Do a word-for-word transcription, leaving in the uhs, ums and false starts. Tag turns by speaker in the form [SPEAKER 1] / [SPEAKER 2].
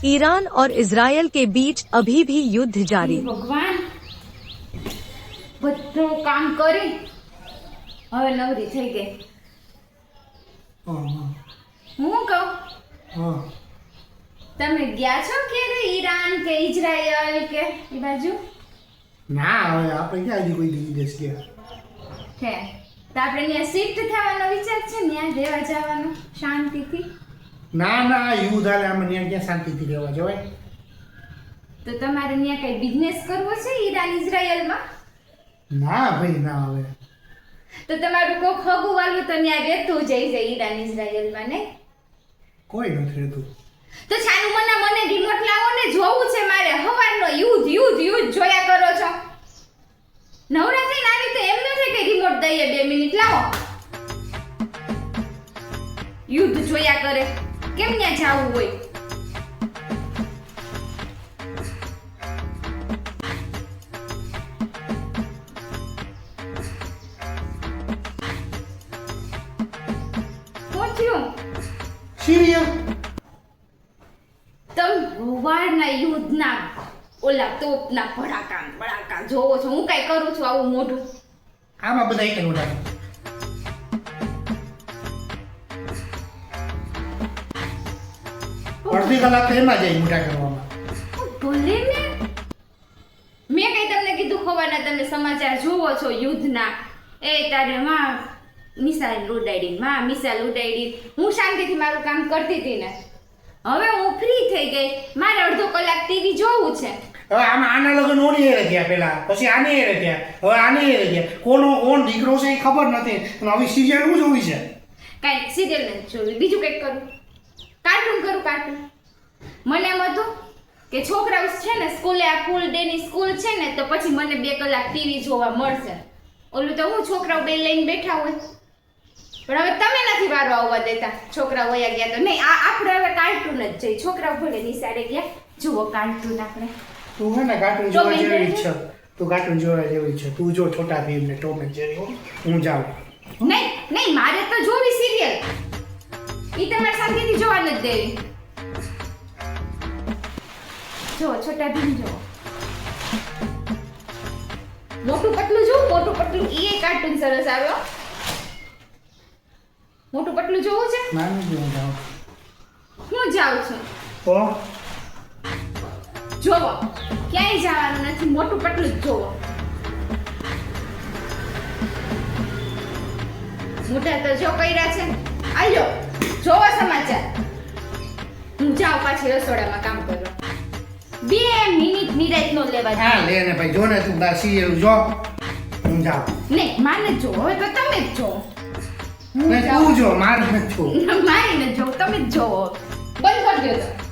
[SPEAKER 1] Iran और Israel के बीच अभी भी युद्ध जारी।
[SPEAKER 2] भगवान બધું કામ કરી હવે નવરી થઈ ગઈ। હું કહું તમે ગયા છો કે ઈરાન કે ઇઝરાયલ કે એ બાજુ?
[SPEAKER 3] ના, હવે આપણે ક્યાં હજી કોઈ દી દેશ ગયા
[SPEAKER 2] છે તો આપણે ત્યાં શિફ્ટ થવાનો વિચાર છે, ત્યાં રહેવા જવાનો શાંતિથી?
[SPEAKER 3] ના ના, યુદ્ધ હાલે આમાં ત્યાં ક્યાં શાંતિથી રહેવા જવાય?
[SPEAKER 2] તો તમારે ત્યાં કઈ બિઝનેસ કરવો છે ઈરાન ઇઝરાયલમાં?
[SPEAKER 3] ના ભાઈ ના, હવે
[SPEAKER 2] તો તમારું કોક હગું વાલું તો ત્યાં રહેતું જાય છે ઈરાન ઇઝરાયલમાં, નહીં?
[SPEAKER 3] કોઈ નથી રહેતું।
[SPEAKER 2] તો છાનું મના મને રિમોટ લાવો ને, જોવું છે મારે હવારનો યુદ્ધ યુદ્ધ યુદ્ધ જોયા કરો છો। નવરા થઈને આવી તો એમ નથી કે રિમોટ દઈએ બે મિનિટ લાવો, યુદ્ધ જોયા કરે કેમ ત્યાં જાવું હોય?
[SPEAKER 3] સિરિયલ
[SPEAKER 2] તમ વારના યુદ્ધના ઓલા તોપના ભડાકા ભડાકા જોવો છો, હું કઈ કરું છું આવું મોઢું?
[SPEAKER 3] આમાં બધા એક નોડા અડધી કલાક એમાં જાય મોટા કરવામાં।
[SPEAKER 2] ભલે ને, મેં કઈ તમને કીધું ખવાના તમે સમાચાર જોવો છો યુદ્ધના? એ તારે માં મિસાઇલ ઉડાડી, માં મિસાઇલ ઉડાડી, હું શાંતિથી મારું કામ કરતી હતી ને, હવે હું ફ્રી થઈ ગઈ, મારે અડધો કલાક ટીવી જોવું છે।
[SPEAKER 3] હવે આમાં આના લગન ઓની એ રહ્યા પેલા, પછી આની એ રહ્યા, હવે આની એ રહ્યા, કોનો કોણ દીકરો છે એ ખબર નથી, અને હવે સિરિયલ હું જોવી છે?
[SPEAKER 2] કાંઈ સિરિયલ નથી જોવી, બીજું કંઈક કરું, કાર્ટૂન કરું કાર્ટૂન। મને એમ હતું કે છોકરાઓ છે ને સ્કૂલે, આ ફૂલ ડે ની સ્કૂલ છે ને, તો પછી મને બે કલાક ટીવી જોવા મળશે। ઓલું તો હું છોકરાઓ બે લઈને બેઠા હોય, પણ હવે તમે નથી વારો આવવા દેતા, છોકરાઓ વયા ગયા તો નહીં, આ આપણે હવે કાર્ટૂન જ જઈ, છોકરાઓ ભલે નિશાળે ગયા, જુઓ કાર્ટૂન આપણે।
[SPEAKER 3] તું હે ને કાર્ટૂન જોવા જેવી છે, તું કાર્ટૂન જોવા જેવી છે, તું જો છોટા ભીમ ને ટોમ એન્ડ જેરી, હું જાઉં।
[SPEAKER 2] નહીં નહીં, મારે તો જોવી સિરિયલ, ઈ તમારે શાંતિથી જોવા નથી દેવી। જો છોટા ભીમ જો, મોટું પતલું જો, મોટું પતલું ઈ કાર્ટૂન સરસ આવ્યો। મોટું પતલું જોવું છે?
[SPEAKER 3] ના નહીં, હું જાઉં।
[SPEAKER 2] હું જાઉં છું
[SPEAKER 3] ઓ
[SPEAKER 2] જોવો, ક્યાંય જવાનું નથી, મોટું પતલું જ જોવો। મોટા તો જો કર્યા છે, આયો જોવો સમાચાર, હું જાઉં પાછી રસોડામાં કામ કરવા। બે મિનિટ નિરાત નો લેવા દે।
[SPEAKER 3] હા લે ને ભાઈ, જો ને તું બા સિરિયલ જો, હું જાઉં।
[SPEAKER 2] નહીં માને જો, હવે તો તમે જ જો,
[SPEAKER 3] તું જો, મારે નથી જોવું।
[SPEAKER 2] મારે ન જો, તમે જ જોવો, બંધ કરી દો।